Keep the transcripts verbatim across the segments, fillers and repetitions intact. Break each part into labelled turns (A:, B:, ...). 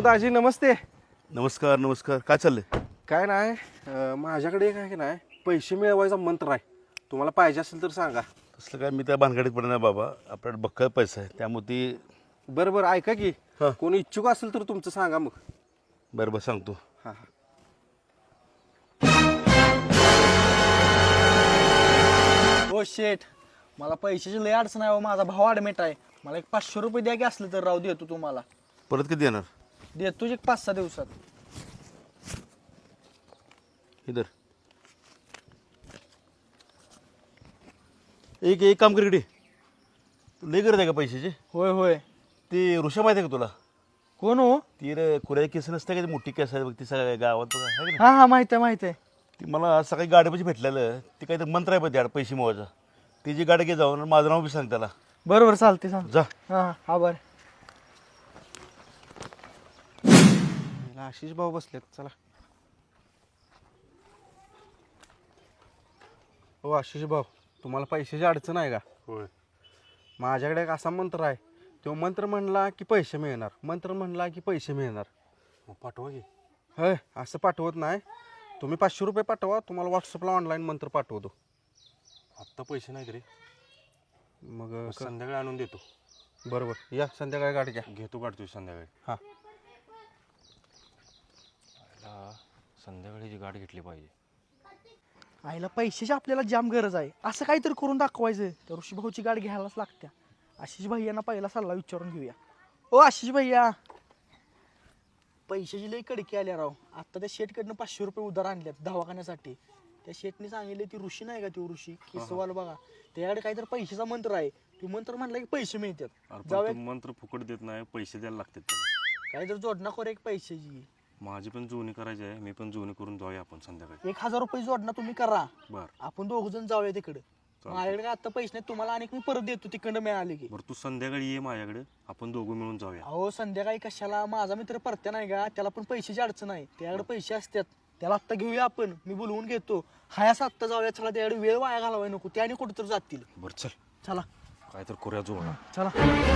A: दाजी नमस्ते.
B: नमस्कार नमस्कार. काय चाललंय?
A: काय नाही अं, माझ्याकडे काय की नाही पैसे मिळवायचा मंत्र आहे. तुम्हाला पाहिजे असेल तर सांगा.
B: तसलं काय मी त्या भानगडीत पडणार नाही बाबा. आपल्याकडे बक्कळ पैसा आहे त्यामुळे ती
A: बरं बरं ऐका की
B: हां.
A: कोणी इच्छुक असेल तर तुमचं सांगा मग.
B: बरं बरं सांगतो.
A: हां हां.
C: हो शेठ, मला पैशाची लय अडचण आहे हो. माझा भाव ॲडमिट आहे. मला एक पाचशे रुपये द्या की असलं तर राव देतो तुम्हाला.
B: परत कधी येणार?
C: देतो एक पाच सहा दिवसात.
B: इधर एक एक काम कर इकडे. तू लई गरज आहे का पैशाची?
C: होय होय.
B: ती ऋषा माहिती आहे का तुला?
C: कोण हो?
B: ती रे कुऱ्या केस नसते का ती मोठी केस आहे बघ ती सगळ्या गावात बघा आहे का
C: हा हा माहित आहे माहित आहे.
B: नाही? ती मला आज सकाळी गाडीपाशी भेटलेलं. ती काहीतरी मंत्र आहे पण त्याड पैसे मोवायचा. ती जी गाडी घे जाऊन आणि माझं नाव बी सांग त्याला.
C: बरोबर चालते सांग.
B: जा.
C: हा हा हा बरं.
A: आशिष भाऊ बसलेत चला. हो आशिष भाऊ, तुम्हाला पैशाची अडचण आहे का?
B: होय.
A: माझ्याकडे एक असा मंत्र आहे. तो मंत्र म्हणला की पैसे मिळणार, मंत्र म्हणला की पैसे मिळणार.
B: पाठवा की.
A: होय असं पाठवत नाही. तुम्ही पाचशे रुपये पाठवा, तुम्हाला व्हॉट्सअपला ऑनलाईन मंत्र पाठवतो.
D: आत्ता पैसे नाहीत रे.
A: मग क-
D: संध्याकाळी आणून देतो.
A: बरोबर या संध्याकाळी गाडी घ्या.
D: घेतो काढतो संध्याकाळी.
A: हां
D: आईला संध्याकाळी जी गाडी घेतली पाहिजे.
C: आईला पैशाची आपल्याला जाम गरज आहे. असं काहीतरी करून दाखवायचं. तर ऋषी भाऊची गाडी घ्यायलाच लागत्या. आशिष भैयांना पहिला सल्ला विचारून घेऊया. ओ आशिष भैया, पैशाची लई कडकी आल्या राव. आता त्या शेटकडनं पाचशे रुपये उधार आणल्यात दवाखान्यासाठी. त्या शेटने सांगितले ती ऋषी नाही का, ती ऋषी केसवाल बघा, त्याच्याकडे काहीतरी पैशाचा मंत्र आहे. ती मंत्र म्हणला की पैसे मिळतात.
D: अरे पण
C: जाऊया
D: तो मंत्र फुकट देत नाही, पैसे द्यायला लागतात त्याला.
C: काहीतरी जोडणा कर एक पैशाची.
D: माझी पण जुळणी करायची आहे. मी पण जुळणी करून जाऊया आपण संध्याकाळी.
C: एक हजार रुपये जोडणा तुम्ही करा.
D: बर
C: आपण दोघ जण जाऊया तिकडे. माझ्याकडे काय आता पैसे नाही, तुम्हाला आणि मी परत देतो तिकडं मिळाले की.
D: बरं तू संध्याकाळी ये माझ्याकडे, आपण दोघं मिळून जाऊया.
C: अहो संध्याकाळी कशाला, माझा मित्र परत्या नाही का, त्याला पण पैशाची अडचण आहे. त्याकडे पैसे असतात, त्याला आत्ता घेऊया आपण. मी बोलवून घेतो. हायास आत्ता जाऊया. चला त्याकडे वेळ वाया घालवाय नको. त्याने कुठं तर जातील.
D: बरं चल,
C: चला
D: काय तर करूया जुळणा.
C: चला.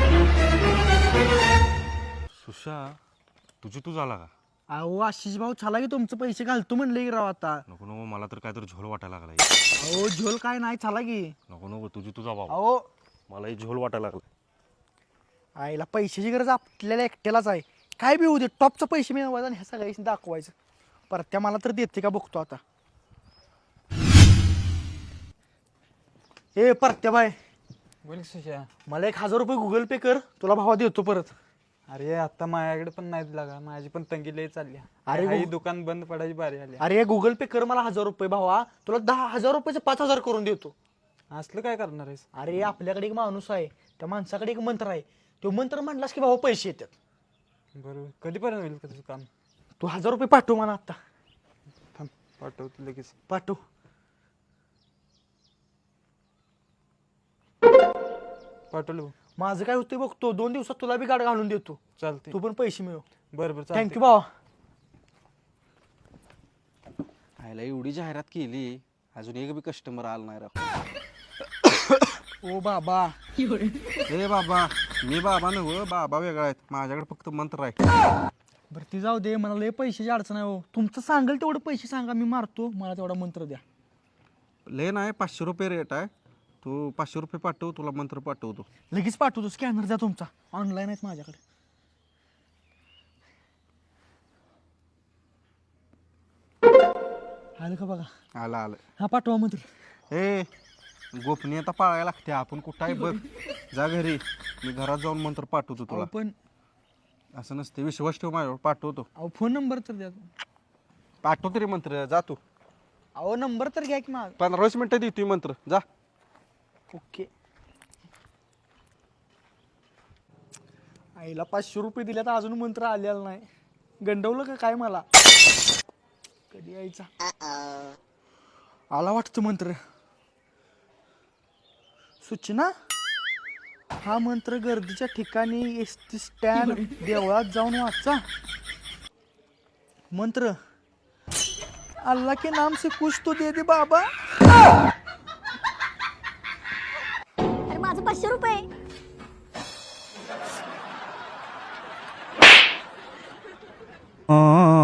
D: सुशा, तुझी तू झाला का?
C: अहो आशिष भाऊ चला की, तुमचं पैसे घालतो म्हणले की राव आता.
D: नको नको, मला तर काय तर झोल वाटायला लागलाय.
C: अहो झोल काय नाही, चला की.
D: नको नको, तुझी तुझा बाबा.
C: अहो
D: मलाही झोल वाटायला लागला.
C: आईला पैशाची गरज आपल्याला एकट्यालाच आहे. काय बी होऊ दे, टॉपचं पैसे मिळवायचं आणि ह्या सगळ्याशी दाखवायचं. परत्या मला तर देते का बघतो आता. ए परत्या बाय,
E: बोल सुशा.
C: मला एक हजार रुपये गुगल पे कर, तुला भावा देतो परत.
E: अरे आता माझ्याकडे पण नाही लागा, माझी पण तंगी लय चालली.
C: अरे
E: अरे
C: गो-
E: दुकान बंद पडायची बारी आली.
C: अरे गुगल पे कर मला हजार रुपये भावा, तुला दहा हजार रुपयाचे पाच हजार करून देतो.
E: असलं काय करणार आहेस?
C: अरे आपल्याकडे एक माणूस आहे, त्या माणसाकडे एक मंत्र आहे. तो मंत्र म्हणलास की भावा पैसे येतात.
E: बरोबर, कधीपर्यंत होईल का तुझं काम?
C: तू हजार रुपये पाठव मला आता.
E: थांब पाठवतो लगेच.
C: पाठव.
E: पाठवलं.
C: माझं काय होतं बघतो, दोन दिवसात तुला बी गाड घालून देतो.
E: चालते.
C: तू पण पैसे मिळव.
E: बरं बरं
C: थँक्यू भावा.
A: आयला एवढी जाहिरात केली, अजून एक बी कस्टमर आला नाही राव.
C: ओ बाबा,
A: ए बाबा, मी बाबा नव्ह, बाबा वेगळा आहेत. माझ्याकडे फक्त मंत्र आहे.
C: बरं ती जाऊ दे, मला लय पैशाची अडचण आहे हो. तुमचं सांगेल तेवढं पैसे सांगा, मी मारतो. मला तेवढा मंत्र द्या.
A: लय नाही, पाचशे रुपये रेट आहे. तू पाचशे रुपये पाठव, तुला मंत्र पाठवतो.
C: लगेच पाठवतो. स्कॅनर द्या तुमचा, ऑनलाईन आहेत माझ्याकडे. आलं का बघा.
A: आलं आलं.
C: हा पाठवा मंत्र.
A: ए गोपनीयता पाळायला लागते. आपण कुठं आहे बघ. जा घरी, मी घरात जाऊन मंत्र पाठवतो तुला.
C: अहो पण
A: असं नसते, विश्वास ठेव माझ्यावर. पाठवतो
C: अहो फोन नंबर तर द्या.
A: पाठवतो रे मंत्र. जा तू.
C: अहो नंबर तर घ्या की माझा.
A: पंधरा वीस मिनिटं देतोय मंत्र. जा.
C: ओके. आईला पाचशे रुपये दिले तर अजून मंत्र आलेला नाही. गंडवलं का काय मला? कधी यायचा? आला वाटतं मंत्र. सूचना, हा मंत्र गर्दीच्या ठिकाणी, एस टी स्टँड, देवळात जाऊन वाचा. मंत्र, अल्लाह के नाम से कुछ तो दे दे बाबा.
F: अरे माझं पाचशे रुपये.
A: रुपये